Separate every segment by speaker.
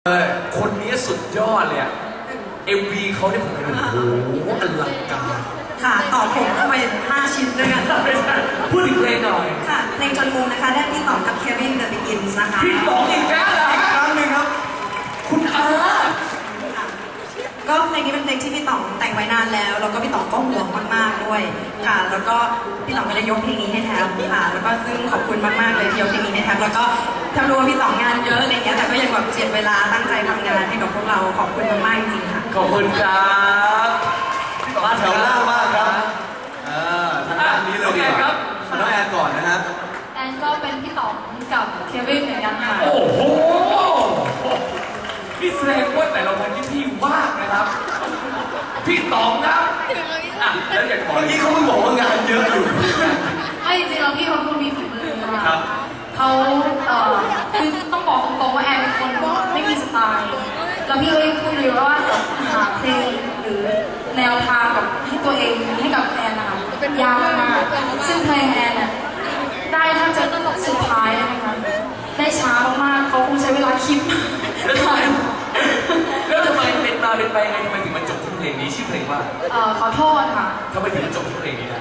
Speaker 1: คนนี้สุดยอดเลยอะ MV เขาเนี่ยผมเห็นโอ้โหอลังการ
Speaker 2: ค่ะต่อผมเข้าไป5 ชิ้นด้วยกัน
Speaker 1: พูดถึงเพลงหน่อย
Speaker 2: ค่ะเพลงจนมุมนะคะได้พี่ต๋องกับเควินเดอะบิกินส์นะคะ
Speaker 1: พี่ต๋องอีกแล้วเหรออีกครั้งหนึ่งครับคุณอา
Speaker 2: ก็เพลงนี้เป็นเพลงที่พี่ต๋องแต่งไว้นานแล้วก็พี่ต๋องก็ห่วงมากๆด้วยค่ะแล้วก็พี่ต๋องก็ได้ยกเพลงนี้ให้แทบค่ะแล้วก็ซึ่งขอบคุณมากๆเลยที่ยกเพลงนี้ให้แทบแล้วก็แทบรู้ว่าพี่ต๋องงานเยอะอะไรเงี้ยแต่ก็ยังแบบเจียดเวลาตั้งใจทำงานให้กับพวกเราขอบคุณมากๆจริงๆค่ะ
Speaker 1: ขอบคุณครับ
Speaker 3: มาแถวหน้ามากครับทางด้านนี้เลยดีกว่าน้องแอนก่อนนะครับ
Speaker 4: แอนก็เป็นพี่ต๋องกับเควินเหมือนกันค่ะ
Speaker 1: โอ้โหพี่แสดงว่าแต่ละวันที่พี่ว่างนะครับพี่ต๋องนะแล้วอยากบอก
Speaker 3: เมื่อกี้เขาเพิ่งบอกว่างานเยอะอยู่
Speaker 4: ไม่จริงๆแล้วพี่เขาคนมีฝีมือ
Speaker 1: ครั
Speaker 4: ะ
Speaker 1: บ
Speaker 4: เขาคือต้องบอกตรงๆว่าแอนเป็นคนไม่มีสไตล์แล้วพี่ก็เลยพูดเลยว่าหาเพลงหรือแนวทางกับให้ตัวเองให้กับแอนนะคะยากมากซึ่งเพลงแอนน่ะได้ถ้าจะสุดท้ายนะคะได้ช้ามากๆเขาคงใช้เวลาคิด
Speaker 1: แล้วทำไมเป็นมาเป็นไปไงทำไมถึงมาจบที่เพลงนี้ชื่อเพลงว่า
Speaker 4: ขอโทษค่ะ
Speaker 1: ทำไมถึงมาจบที่เพลงนี้ได้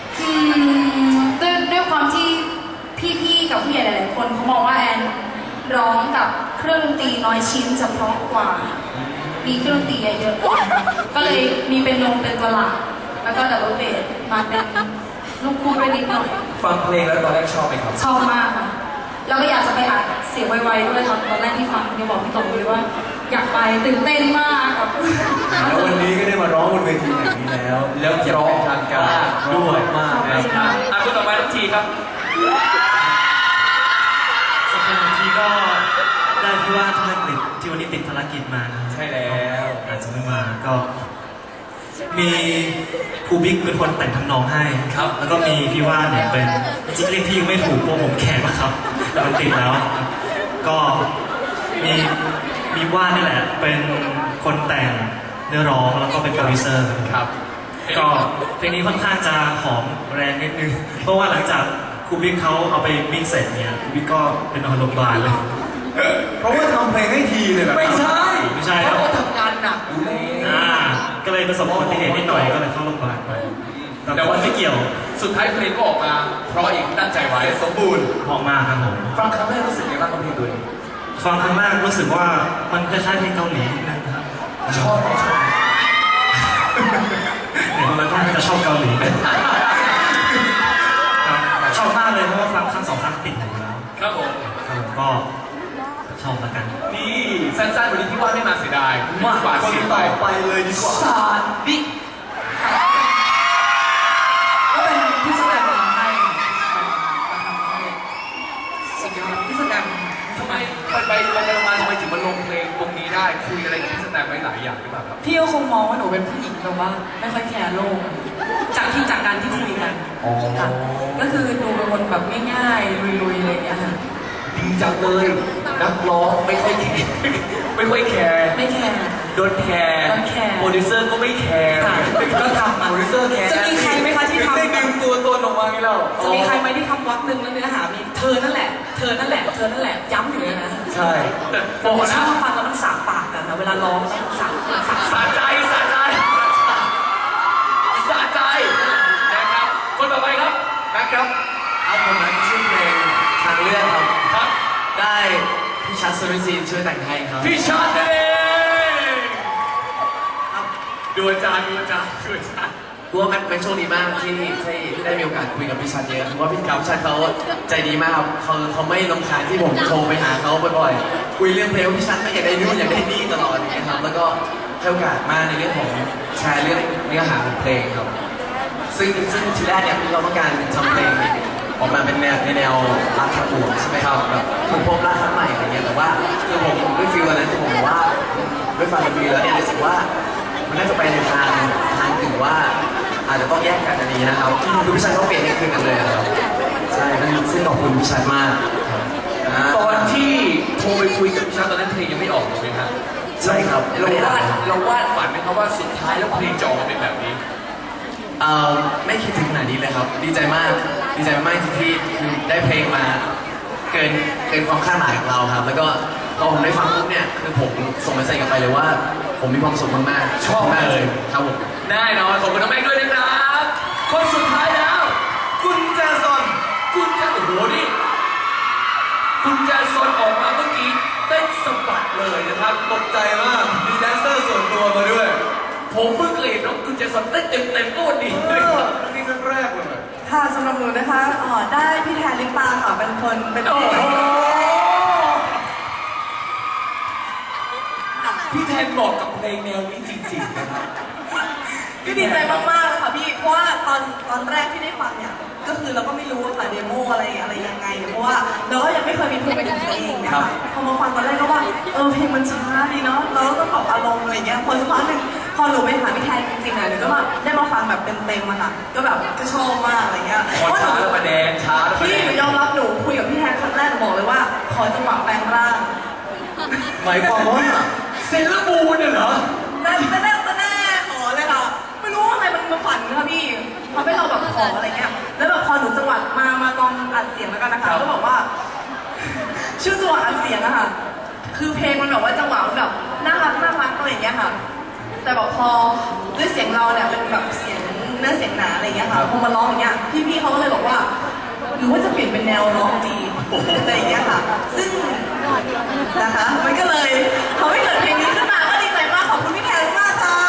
Speaker 4: ด้วยความที่พี่ๆกับผู้ใหญ่หลายๆคนเขามองว่าแอนร้องกับเครื่องดนตรีน้อยชิ้นจะเพราะกว่ามีเครื่องดนตรีเยอะๆก็เลยมีเป็นตัวหลักแล้วก็ดับเบิลเบสมาเป็นลูกคู่ด้วยนิดหน่อย
Speaker 1: ฟังเพลงแล้วตอนแรกชอบไหมครับ
Speaker 4: ชอบมากค่ะแล้วก็อยากจะไปอ่านเสียงไวๆด้วยตอนแรกที่ฟังเนี่ยบอกพี่ต๋องเลยว่าอยากไปตื่นเต้นมากครับ
Speaker 3: แล้ววันนี้ก็ได้มาร้องบนเวทีแห่งนี้แล้ว
Speaker 1: ร้อง
Speaker 3: ทางการด้วยมาก
Speaker 1: นะครับคุณต่อไปทุกทีครับ
Speaker 5: สักคนทีก็ได้ที่ว่าธนกฤษที่วันนี้ติดภารกิจมานะ
Speaker 1: ใช่แล้ว
Speaker 5: อาจจะไม่มาก็มีครูบิ๊กเป็นคนแต่งทำนองให้
Speaker 1: ครับ
Speaker 5: แล้วก็มีพี่ว่านเนี่ยเป็นจริงเรียกพี่ไม่ถูกเพราะผมแข็งนะครับแต่มันติดแล้วก็มีว่านนี่แหละเป็นคนแต่งเนื้อร้องแล้วก็เป็นโปรดิวเซอร์
Speaker 1: ครับ
Speaker 5: ก็เพลงนี้ค่อนข้างจะหอมแรงนิดนึงเพราะว่าหลังจากครูบิ๊กเขาเอาไปมิกซ์เสร็จเนี่ยครูบิ๊กก็เป็นนอนโรงพยาบาลเลย
Speaker 3: เพราะว่าทำเพลงให้ทีเลยเหรอ
Speaker 1: ไม่ใช่
Speaker 5: เพ
Speaker 1: ราะเขาทำงานหนักอยู่เลย
Speaker 5: ก็เลยประสบอุบัติเหตุนิดหน่อยก็เลยเข้าโรงพยาบาลไปแต่ว่าไม่เกี่ยว
Speaker 1: สุดท้ายเพลงก็ออกมาเพราะอีกตั้งใจไว้
Speaker 3: สมบูรณ์
Speaker 5: พอมากครับผม
Speaker 1: ฟังครั้งแรกรู้สึกยังไงบ้างกับเพลงตัวนี้
Speaker 5: ฟังครั้งแรกรู้สึกว่ามันคล้ายๆเพลงเกาหลีนะครับ
Speaker 1: ชอบ
Speaker 5: เนี่ยมันก็จะชอบเกาหลีชอบมากเลยเพราะว่าฟังครั้ง2 ครั้งติดอยู่แล้ว
Speaker 1: ครับผม
Speaker 5: ก็ชอบละกัน
Speaker 1: นี่สั้นๆวันนี้พี่ว่าไม่มาเสียดาย
Speaker 3: มากกว่าเสียไปเลยดีกว่า
Speaker 1: สารดิ
Speaker 2: ก็เป็นพี่แสดงมาให้สุดยอดพี่แสดง
Speaker 1: ทำไมไปมาทำไมถึงมาลงเพลงตรงนี้ได้คุยอะไรกับพี่แสดงไว้หลายอย่างหรือเปล่าครับ
Speaker 2: พี่ก็คงมองว่าหนูเป็นผู้หญิงแบบว่าไม่ค่อยแคร์โลกจากการที่คุยกันค่ะก็คือดูเป็นคนแบบง่ายๆลุยๆอะไรอย่างเงี้ยค่ะ
Speaker 1: ดีจังเลยนักร้องไม่ค่อยแคร์
Speaker 2: ไม่แคร์
Speaker 1: โดนแคร์โปรดิวเซอร์ก็ไม่แคร์
Speaker 2: ก็ทำ
Speaker 1: โปรดิวเซอร์แคร์
Speaker 2: จะมีใครไหมคะที่ทำ
Speaker 1: ได้ดึงตัวลงมางี้แล้ว
Speaker 2: จะมีใครไหมที่ทำวักหนึ่งแล้วเนื้อหามีเธอนั่นแหละย้ำอยู่เลยนะ
Speaker 1: ใช่
Speaker 2: แต่ชอบฟังแล้วมันสาบปากกันนะเวลาร้องต้องสา
Speaker 1: ใจนะครับคนต่อไปครับ
Speaker 6: นะครับเอาผมนะชื่อเพลงทางเลือก
Speaker 1: ครับ
Speaker 6: ได้พี่ชัดสุริศรีช่วยแต่งให้ครับ
Speaker 1: พี่ชัดเองดูอาจารย์
Speaker 6: รู้ว่าเป็นโชคดีมากที่ได้มีโอกาสคุยกับพี่ชัดเยอะเพราะว่าพี่ชัดเขาใจดีมากครับเขาไม่รำคาญที่ผมโทรไปหาเขาบ่อยๆคุยเรื่องเพลงพี่ชัดก็อยากได้นู่นอยากได้นี่ตลอดนะครับแล้วก็ให้โอกาสมากในเรื่องของแชร์เรื่องเนื้อหาของเพลงครับซึ่งทีแรกเนี่ยเราต้องการทำเพลงออกมาเป็นแนวรักทางบวกใช่ไหมครับแบบคุณพบรักครั้งใหม่อะไรเงี้ยแต่ว่าคือผมด้วยฟีลนั้นที่ผมบอกว่าด้วยฟังดนตรีแล้วเนี่ยรู้สึกว่ามันน่าจะไปในทางถึงว่าอาจจะต้องแยกกันอันนี้นะครับคือพี่ชัยเขาเปลี่ยนให้คืนกันเลยครับใช่ซึ่งขอบคุณพี่ชัยมาก
Speaker 1: ตอนที่โทรไปคุยกับพี่ชัยตอนนั้นเพลงยังไม่ออกถูกไหมครับ
Speaker 6: ใช่ครับ
Speaker 1: เราวาดฝันไหมครับว่าสุดท้ายแล้วเพลงจะออกมาเป็นแบบนี้
Speaker 6: ไม่คิดถึงขนาดนี้เลยครับดีใจมากที่คือได้เพลงมาเกินความคาดหมายของเราครับแล้วก็พอผมได้ฟังปุ๊บเนี่ยคือผมเมสเซจกลับไปเลยว่า ผมมีความสุขมากๆ
Speaker 1: ชอบ
Speaker 6: มาก
Speaker 1: เลย
Speaker 6: ครับผม
Speaker 1: แน่นอนขอบคุณน้องแม็กด้วยนะครับ คนสุดท้ายแล้ว
Speaker 3: กุญแจซน
Speaker 1: คุณจะโอ้โหนี่คุณแจซอนออกมาเมื่อกี้เต้นสะบัดเลยนะครับ
Speaker 3: ตกใจมากมีแดนเซอร์ส่วนตัวมาด้วย
Speaker 1: ผมเพิ่งเคยเห็นน้องคุณแจซอนเต้นเต็มๆก็วันนี้
Speaker 3: เอ
Speaker 1: เลย
Speaker 3: อ
Speaker 1: ครับ
Speaker 3: นี่ครั้งแรกเลย
Speaker 2: ค่ะสำหรับหนูนะคะได้พี่แทนลิปตาค่ะเป็นคนเป็น
Speaker 1: โอ้
Speaker 2: พี่
Speaker 1: โหพี่แทนบอกกับเพลงแนวนี้จริงๆนะครับ
Speaker 2: ก็ดีใจมากๆเลยค่ะพี่เพราะว่าตอนแรกที่ได้ฟังเนี่ยก็คือเราก็ไม่รู้ว่าค่ะเดโมอะไรยังไงเนี่ยเพราะว่าเราก็ยังไม่เคยมีเพลงเป็นของตัวเองเนะคะพอมาฟังตอนแรกก็ว่าเพลงมันช้าดีเนาะเราก็ต้องปรับอารมณ์อะไรเงี้ยพอสักพักหนึ่งพอหนูไปหาพี่แทนจริงๆหนูก็แบบได้มาฟังแบบเต็มๆอะค่ะก็แบบก็ชอบมากอะไรเงี้ย
Speaker 1: พอช้าแล้วมาแดงช้าแล้วมา
Speaker 2: พี่
Speaker 1: แด
Speaker 2: หนู
Speaker 1: ง
Speaker 2: ยอมรับหนูคุยกับพี่แทนครั้งแรกหนูบอกเลยว่าขอจังหวะแปลงร่าง
Speaker 3: หมายความว่า
Speaker 1: เซเลอร์มูนเนี่ยเหรอ
Speaker 2: แน่ขอเลยค่ะไม่รู้ว่าอะไรมันมาฝันค่ะพี่ทำให้เราแบบขออะไรเงี้ยแล้วแบบพอหนูจังหวะมาลองอัดเสียงแล้วกันนะคะก็บอกว่า ชื่อจังหวะอัดเสียงอะค่ะคือเพลงมันแบบว่าจังหวะมันแบบน่ารักอะไรอย่างเงี้ยค่ะ แต่แบบพอด้วยเสียงเราเนี่ยเป็นแบบเสียงเนื้อเสียงหนาอะไรอย่างเงี้ยค่ะพอมาร้องอย่างเงี้ยพี่เขาก็เลยบอกว่า หรือว่าจะเปลี่ยนเป็นแนวร้องดีอะไรอย่างเงี้ยค่ะ ซึ่งนะคะมันก็เลยทำให้เกิดเพลงนี้ขึ้นมาก็ดีใจมากขอบคุณพี่แทนมากค่ะ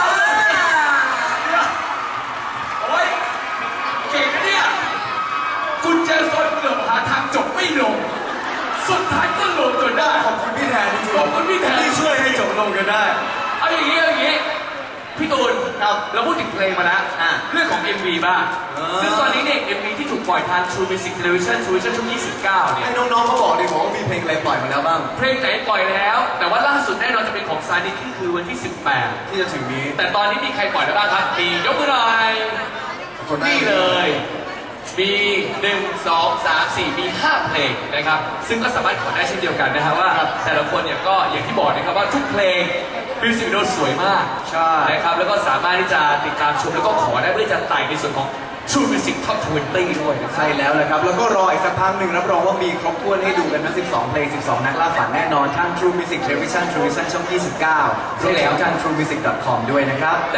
Speaker 1: โอ้ยเก่งนะเนี่ยคุณแจซอนเกือบหาทางจบไม่ลง สุดท้ายก็ลงจนได้
Speaker 3: ขอบคุณพี่แทนจริงๆ
Speaker 1: ขอบคุณพี่แทน
Speaker 3: ที่ช่วยให้จบลงกันได้
Speaker 1: เอาอย่างนี้พี่ตูนครับเราพูดถึงเพลงมาแล้วเรื่องของ MV บ้าง ซึ่งตอนนี้เนี่ย MV ที่ถูกปล่อยทาง True Music Television ช่วง29เนี่ย
Speaker 3: ให้น้องๆเขาบอกดิบอกว่ามีเพลงอะไรปล่อยมาแล้วบ้าง
Speaker 1: เพลงไหนปล่อยแล้ว แต่ว่าล่าสุดแน่นอนจะเป็นของซานิที่คือวันที่
Speaker 3: ที่จะถึงนี้
Speaker 1: 18 แต่ตอนนี้มีใครปล่อยแล้วบ้างครับ มียกมือหน่อย นี่เลย มี 1 2 3 4 มี 5 เพลงนะครับ ซึ่งก็สามารถขอได้เช่นเดียวกันนะครับว่า แต่ละคนเนี่ยก็อย่างที่บอกนะครับว่าทุกเพลงมิวสิกวิดีโอสวยมาก
Speaker 3: ใช่
Speaker 1: นะครับ แล้วก็สามารถที่จะติดตามชมแล้วก็ขอได้เพื่อจะไต่ในส่วนของ True Music Top 20 ด้วยนะครับ
Speaker 3: ใช่แล้วแหละครับ แล้วก็รออีกสักพักหนึ่งรับรองว่ามีครบถ้วนให้ดูกันทั้ง 12 เพลง 12 นักล่าฝันแน่นอนทาง True Music Television True Vision ช่อง 29รวมถึงทาง truemusic.com ด้วยนะครับ